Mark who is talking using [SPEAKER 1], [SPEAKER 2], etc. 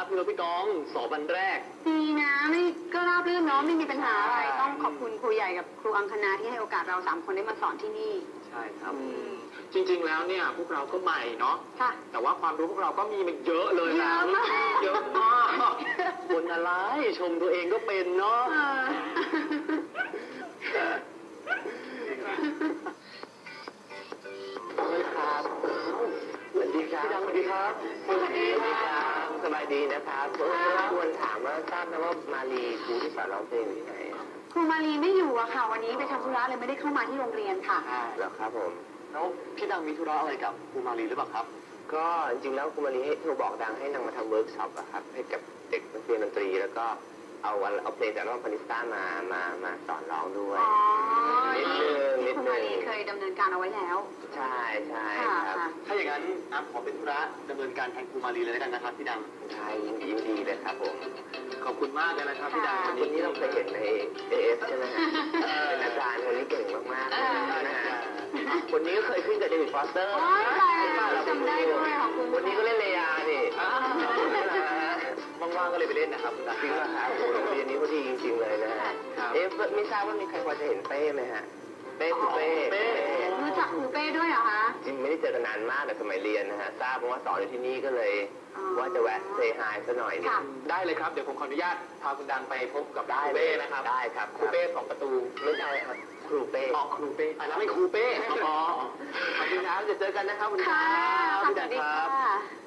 [SPEAKER 1] พี่รถพี่กองสอบวันแรก
[SPEAKER 2] ดีนะไม่ก็ราบรื่นเนาะไม่มีปัญหาอะไรต้องขอบคุณครูใหญ่กับครูอังคณาที่ให้โอกาสเรา3 คนได้มาสอนที่นี่
[SPEAKER 1] ใช่ครับจริงๆแล้วเนี่ยพวกเราก็ใหม่เนาะ
[SPEAKER 2] ค่ะ
[SPEAKER 1] แต่ว่าความรู้พวกเราก็มีมันเยอะเลยนะเยอะมากคนอะไรชมตัวเองก็เป็นเนาะสวัสดีครับสวัสดีครับสวัสดีครับสบายดีนะครับควรถามว่าทราบนะว่ามาลีครูที่สอนร้องเพลงอยู่ที่ไหน
[SPEAKER 2] ครูมาลีไม่อยู่อะค่ะวันนี้ไปทำธุระเลยไม่ได้เข้ามาที่โรงเรียนค่ะ
[SPEAKER 1] เหรอครับผมแล้วพี่ดังมีธุระอะไรกับครูมาลีหรือเปล่าครับ
[SPEAKER 3] ก็จริงๆแล้วครูมาลีให้โทรบอกดังให้นางมาทำเวิร์กช็อปอะครับให้กับเด็กนักเรียนดนตรีแล้วก็เอาเพลงจากน้องพานิสต้ามาสอนร้องด้วยนิดนึง
[SPEAKER 2] ครูมาลีเคยดำเนินการเอาไว้แล้ว
[SPEAKER 3] ใช่ครับ
[SPEAKER 1] ถ้าอย่างนั้นขอเป็นธุระดำเนินการแทนครูมาลีเลยแล้วกันนะครับพี่ดัง
[SPEAKER 3] ใช่ยินดีเลยครับผม
[SPEAKER 1] ขอบคุณมากเลยนะครับพี่ดัง
[SPEAKER 3] วันนี้เราเคยเห็นใน AF ใช่ไหมฮะเป็นอาจารย์คนนี้เก่งมากๆเลยนะฮะคนนี้ก็เคยขึ้นกับเดวิดฟอสเตอร์
[SPEAKER 2] จำได้ด้วยของคุณ
[SPEAKER 3] คนนี้ก็เล่นเลยานี่
[SPEAKER 1] ว่างๆก็เลยไปเล่นนะครับ
[SPEAKER 3] จริงเหรอครับโรงเรียนนี้เขาดีจริงๆเลยนะฮะไม่ทราบว่ามีใครพอจะเห็นเป้ไหมฮะเป้คือเป้
[SPEAKER 2] รู้จักครูเป้ด้วยเหรอคะ
[SPEAKER 3] จริงไม่ได้เจอกันนานมากแต่สมัยเรียนนะฮะทราบว่าสอนอยู่ที่นี่ก็เลยว่าจะแวะเซฮายซะหน่อยนึง
[SPEAKER 1] ได้เลยครับเดี๋ยวผมขออนุญาตพาคุณดังไปพบกับครูเป้นะครับ
[SPEAKER 3] ได้ครับ
[SPEAKER 1] ครูเป้2 ประตู
[SPEAKER 3] ไม่ใช่ครับครูเป้
[SPEAKER 1] ครูเป้อันนั้นไม่ครูเป้
[SPEAKER 3] ขอบคุณครับจะเจอกันนะครับคุณ
[SPEAKER 2] ค่ะสวัสดีค่ะ